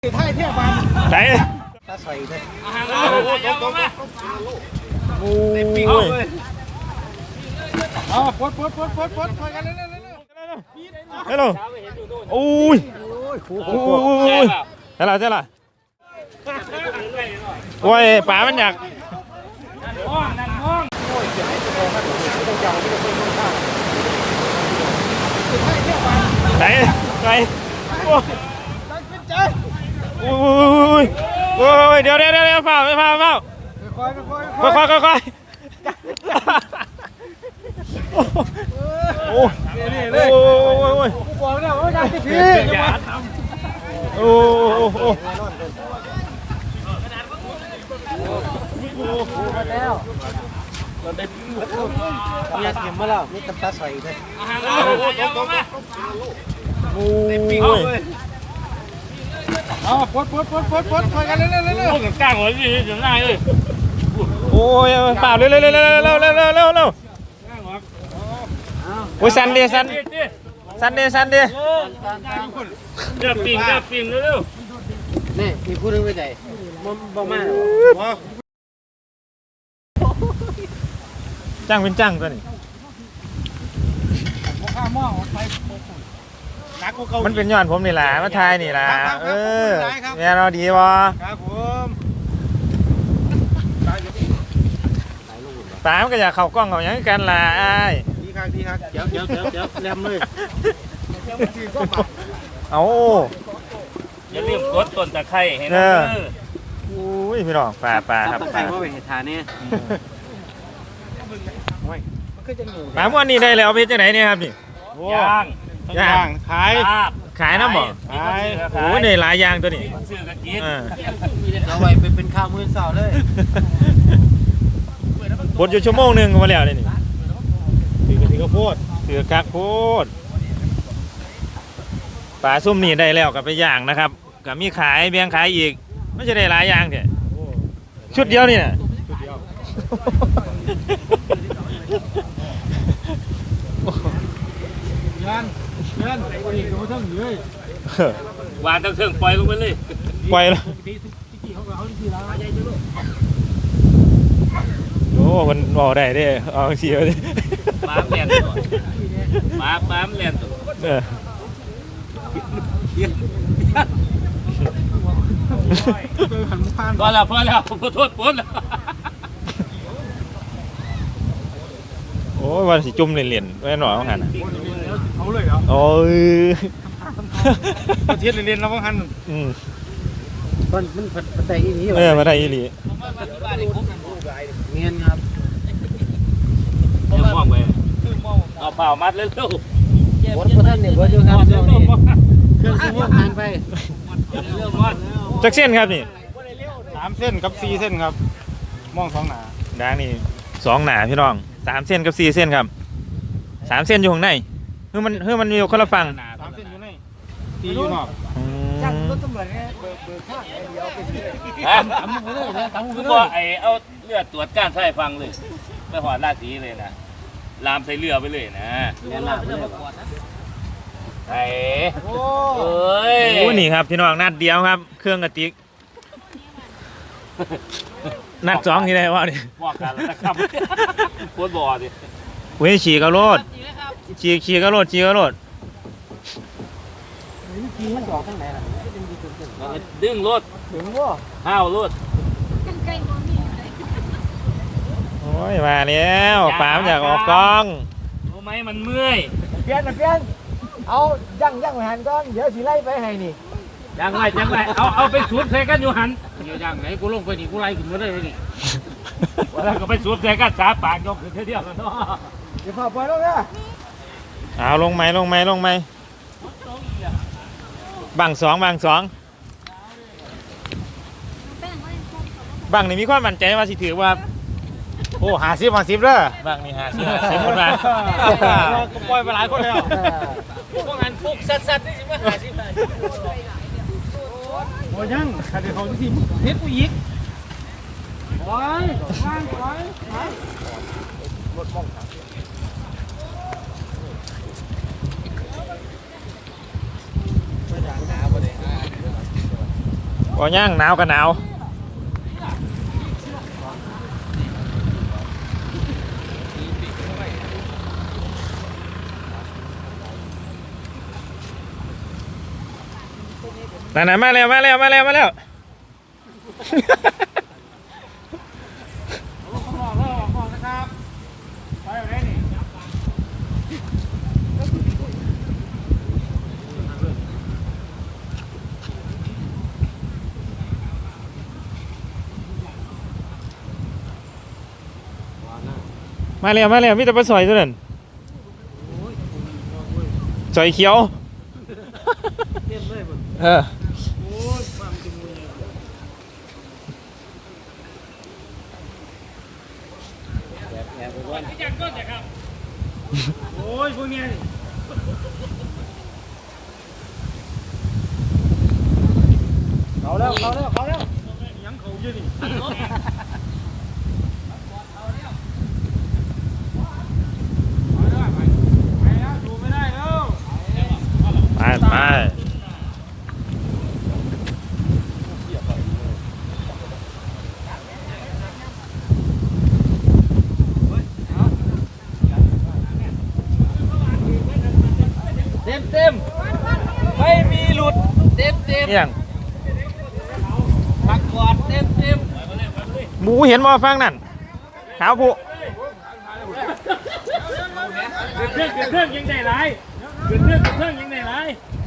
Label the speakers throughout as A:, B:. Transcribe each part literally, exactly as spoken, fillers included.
A: ไทยเที่ยวบ้าน
B: ไหน
A: ตาใส่เลย
B: โอ้ย
A: อ๋อปดปดปดปดปดคอยกันเร็วเร็วเร็ว
B: เฮ้ยโอ้ยโอ้ยเฮ้ยล่ะเฮ้ยล่ะโอ้ยป๋ามันอยากไหนไหนโอ้ยโอ้ยโอ้ยเดี๋ยวเดี๋ยวเดี๋ยวเฝ้าเฝ้าเฝ้า
A: ค่อยค่อย
B: ค่อยค่อยค่อยค่อยโอ้ย
A: นี่เลย
B: โอ้ยโอ้ย
A: กูบอกแล้วว่าอยากจะพี่
B: อย่าทำโอ้โอ้โอ้
A: แล้วอยากเห็นมาแล้วนี่ตาใส่เลย
B: โอ้ย
A: อ๋อปดปดปดปดปดคอยกันเร็วเร็วเร็ว
C: พวกกลางหัวดีจะได้เลย
B: โอ้ยเปล่าเร็วเร็วเร็วเร็วเร็วเร็วเร็วเร็วเร็วโอ้ยสันเดียสันสันเดียสันเดีย
C: เดือบปิ่งเดือบปิ่งเร็ว
A: นี่มีพูดเรื่องไม่ใจมันบอกมา
B: จ้างเป็นจ้างตัวนี้มันเป็นย้อนผมนี่แหละมาทายนี่แหละเออเนี่ยเราดีวะ
A: ครับผม
B: ตามก็อยากเข้ากล้องเขาอย่างกันล่ะไอ้
A: ดีครับดีครับเดี๋ยวเดี๋ยวเดี๋ยวเดี๋ยวแรมเลย
B: เอา
C: อย่าลืมกดต้นตะไคร้ให้นะ
B: อุ้ยพี่น้องปลาปลาครับ
A: ปลาว่าเป็นเหตุการณ์นี้
B: ปลาม้วนนี่ได้แล้วเอาไปจากไหนเนี่ยครับนี่
C: ย่าง
B: ย่าง
A: ขาย
B: ขายน้ำบ่
A: ขาย
B: โอ้ยในหลายอย่างตัวนี้
C: ซื้อกระกิน
A: เอาไว้เป็นข้าวมื้อเช้าเลย
B: บดอยู่ชั่วโมงหนึ่งมาแล้วนี่
A: ถือกระถิ่นข้าวโพด
B: ถือกักโพดปลาซุ่มนี่ได้แล้วกับไปย่างนะครับกับมีขายเบียงขายอีกไม่ใช่ได้หลายอย่างเถอะชุดเดียวนี่นะ
A: ชุดเดียวงานงานไอ้คนนี้ก็มาทั้งเล
C: ยวางตั้งเครื่องปล่อยลงไปเลย
B: ปล่อยแล้วโอ้คนบอกได้ดิเอาเชียวดิ
C: ม้ามเลียนตัวม้าม้ามเลียนตัวพอแล้วพอแล้วขอโทษปน
B: โอ้ยวันสิจุ่มเหรียญๆไว้หน่อยว่าหัน
A: เขาเลยเหรอ
B: โอ้ย
A: ประเทศเรียนแล้วว่าหัน
B: อืม
A: มันมันมันได้อีหลี
B: เออมาได้อีหลี
A: เงียนครับ
C: เดี๋ยวมองไปเอาเปล่ามัดเลยลูก
A: วัดพระท่านเนี่ยวัดอยู่ครับเครื่องซื้อผ่านไป
C: เรื่องมัด
B: จักเส้นครับนี่
A: สามเส้นกับสี่เส้นครับมองสองหนา
B: ด่างนี่สองหนาพี่น้องสามเส้นกับสี่เส้นครับสามเส้นอยู่ข้างในเฮ้ยมันเฮ้ยมันมีคนละฝั่ง
A: สามเส้นอยู่ในสี่อยู่นอกจังรถตำรวจเนี่ยเบอร์เบอร์ข้างเดียวเป็นฮะทำมือเลยนะทำมือเลย
C: ไอเอาเลือดตรวจก้านไส้ฟังเลยไปหอดราศีเลยนะลามใส่เรือไปเลยนะ
A: เนี่ยลามเลย
C: ไอ้โอ้ย
B: โอ้นี่ครับพี่น้องนัดเดียวครับเครื่องกระติกนัดสองที่ไหนวะนี่
C: บอกกันแล้วนะครับโคตรบ่อดิ
B: เว้ยฉีกกระโดดฉีกฉีกกระโดดฉีกกระโดด
C: ดึงรถ
A: ดึงว่า
C: ห้าวรถ
B: โอ้ยมาแล้วปามอยากออกกอง
C: รู้ไหมมันเมื่อย
A: เปลี่ยนเปลี่ยนเอายั่งยั่งหันก้อนเดี๋ยวสีไล่ไปให้นี่
C: ยังไงยังไงเอาเอาไปสูดใส่กันอยู่หันเดี๋ยวยังไงกูลงไปนี่กูไล่ขึ้นมาได้เลยนี่แล้วก็ไปสูดใส่กันสาปากยกขึ้นเที่ยวกันเนาะ
A: เดี๋ยวพอปล่อยลงนะ
B: เอาลงไหมลงไหมลงไหมบังสองบังสองบังนี่มีความมั่นใจว่าสิถือว่า
A: โอ้หาซิบหาซิบเลย
B: บังนี่หาซิบหาซิบคนมา
A: ก็ปล่อยไปหลายคนแล้ว
C: พวกงานฟุกสัดๆนี่สิมาหาซิบ
A: โอ้ยังถ้าเดี๋ยวเขาจะทีเทปกูยิกโอ้ยว่างโอ้ยรถมอง
B: บ่ย่างหนาวก็หนาวนั่นๆมาแล้วมาแล้วมาแล้วมาแล้ว มาแล้วมาแล้วมีแต่ปลาสอยตัวนั้นสอยเขียวเออ
A: โอ้ยพวกเนี้ยเขาแล้วเขาแล้วเขาแล้วยังเขาเยอะนี่
B: ไปไป
A: เต็มเต็มไม่มีหลุดเต็มเต็ม
B: เอี่ยง
A: ปักกอดเต็มเต็ม
B: หมูเห็นบ่ฟังนั่นขาวผู้
C: เครื่องเครื่องยังได้ไรเครื่องเครื่องเครื่องยังได้ไร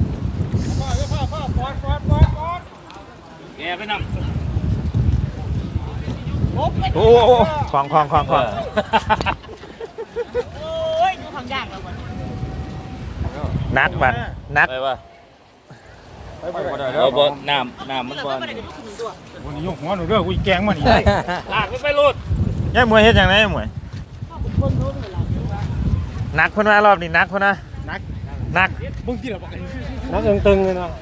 C: แกไปนำ
B: โอ้โหคลองคลองคลองคลอง
D: โอ้ยดูทางยากแล้ววัน
B: นักบัดนัก
C: ไปว่าเราบ่น้ำน้ำมันบ่
D: ไม่ได้กันทุกคนตัว
A: วันนี้ยกหัวหนูเด้อกูแกงมันนี่
C: ลากไปรูด
B: ยายมวยเฮ็ดจังได๋มวย
D: คนรู้เวลา
B: นักเพิ่นว่ารอบนี้นักเพิ่นนะนักนัก
A: มึงที่เราบอกนักตึงๆเลยนะ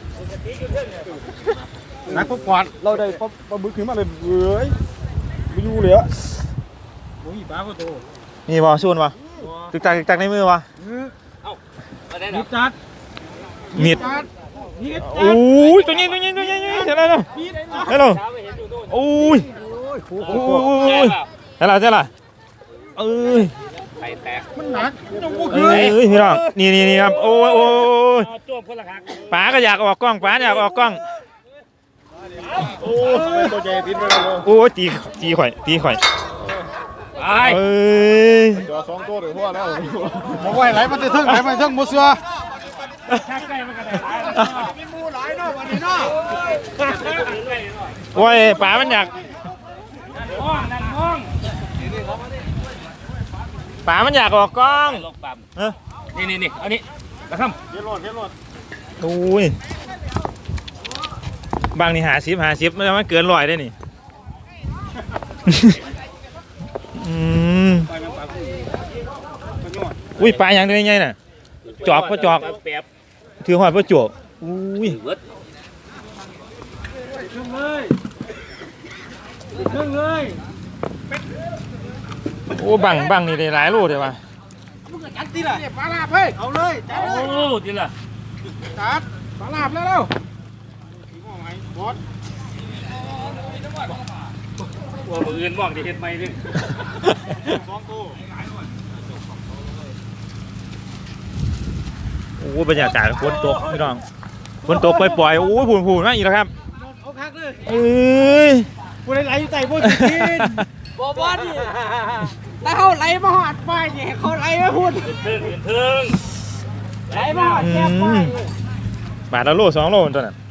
A: นักปุ๊บกวาดเราได้ปั๊บปั๊บบึ้งขึ้นมาเลยเว้ยไม่อยู่เลยอะโอ้ยบ้าก็โต
B: นี่บ่ชวนบ่ตึกตักตึกตักในมือบ่
A: นิดจัด
B: มีด
A: นิด
B: โอ้ยตัวนี้ตัวนี้ตัวนี้เดี๋ยวแล้วเดี๋ยวโอ้ยโอ้ยเดี๋ยวแล้วเดี๋ยวแล้วเอ้ย
C: ไข่แตก
A: มันหนักยังกู
B: เอ้
A: คือย
B: พี่น้องนี่นี่นี่ครับโอ้ยโอ้ย
C: จ้วมคนละครั้ง
B: ป๋าก็อยากออกกล้องป๋าอยากออกกล้อง
A: โอ้ยตัวใหญ่ติดไปเลย
B: โอ้ยตีตีข่อยตีข่อย
C: ไอ้
B: เอ้ย
A: จอสองตัวหรือพ่อแล้วบอกว่าไหลมันจะทึ่งไหลมันทึ่งมุดเสือ
C: ชักใกล้มันก็ได้หลาย
A: มีมูหลายเนาะวันนี้เนาะ
B: โอ้ยป๋ามันอยาก
C: ห้องนั่นห้อง
B: ป๋ามันอยากออกกล้อง
C: ลงปั๊ม
B: เอ้อ
C: นี่นี่นี่อันนี้นะครับ
A: เดี๋ยวรอดเดี๋ยวรอด
B: โอ้ยบางนี่หาสิบหาสิบมันเกินร้อยได้นี่อืม
A: ไปมันปากกูมันยอด
B: อุ้ยปลาอย่างเดียวไงน่ะจอกก็จอก
C: แป๊บ
B: ถือหอยก็จวกอุ้ย
C: เวิร์ด
A: ครึ่งเลยครึ่งเลย
B: โอ้บังบังนี่ได้หลายโลเลยว่ะ
A: มึงจัดทีละเนี่ยปลาลาบเฮ้ยเอาเลยจัด
C: โอ้
A: เลย
C: ทีละ
A: จัดปลาลาบแล้วเร็วบอส
C: ว่ามืออื่นมองที่เห็นไหมดิ
A: สองตัว
B: โอ้บรรยากาศฝนตกพี่น้องฝนตกปล่อยๆโอ้ยผูนผูนมาอีกแล้วครับ
A: เอาคักเลย
B: เอ้ย
A: กูได้ไหลอยู่ใต้พวกกิน
D: บอบอนี่ถ้าเขาไหลมาหอดไฟเนี่ยเขาไหลมาพูด
C: เทิงเทิง
D: ไหลมาหอดแก้ไฟ
B: บาทละโลสองโลตัวนั้น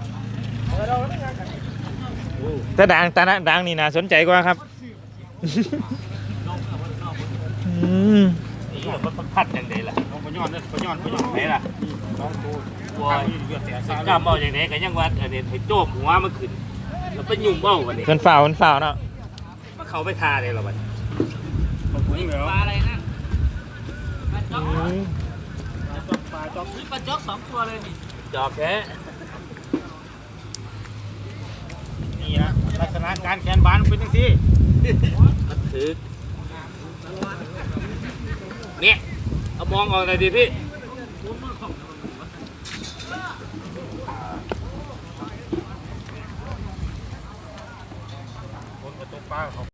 B: แต่ดังแต่นะดังนี่น่าสนใจกว่าครับอืม
C: นี่มันพัดอย่างไรล่ะ
A: ปะยอนเนี่ยปะยอนปะยอน
C: ไหนล่ะ
A: สองตัว
C: วัวกล้ามเบาอย่างไหนกันยังวัดอันนี้ให้โจมหัวมันขึ้นแล้วไปยุ่งเบ้าวันนี้
B: เพิ่นฝ่าวเพิ่นฝ่าวเนาะ
C: มันเขาไปทาเลยหรอวัน
D: ปลาอะไรนะปลาจ๊อก
B: อืม
D: ปลาจ๊อกสองตัวเลยนี่
C: จอบแค่
A: นี่นะลักษณะการแขนบานเป็นยังซี่
C: มันถือเนี่ยเอามองออกหน่อยดิพี่ตกปลาเขา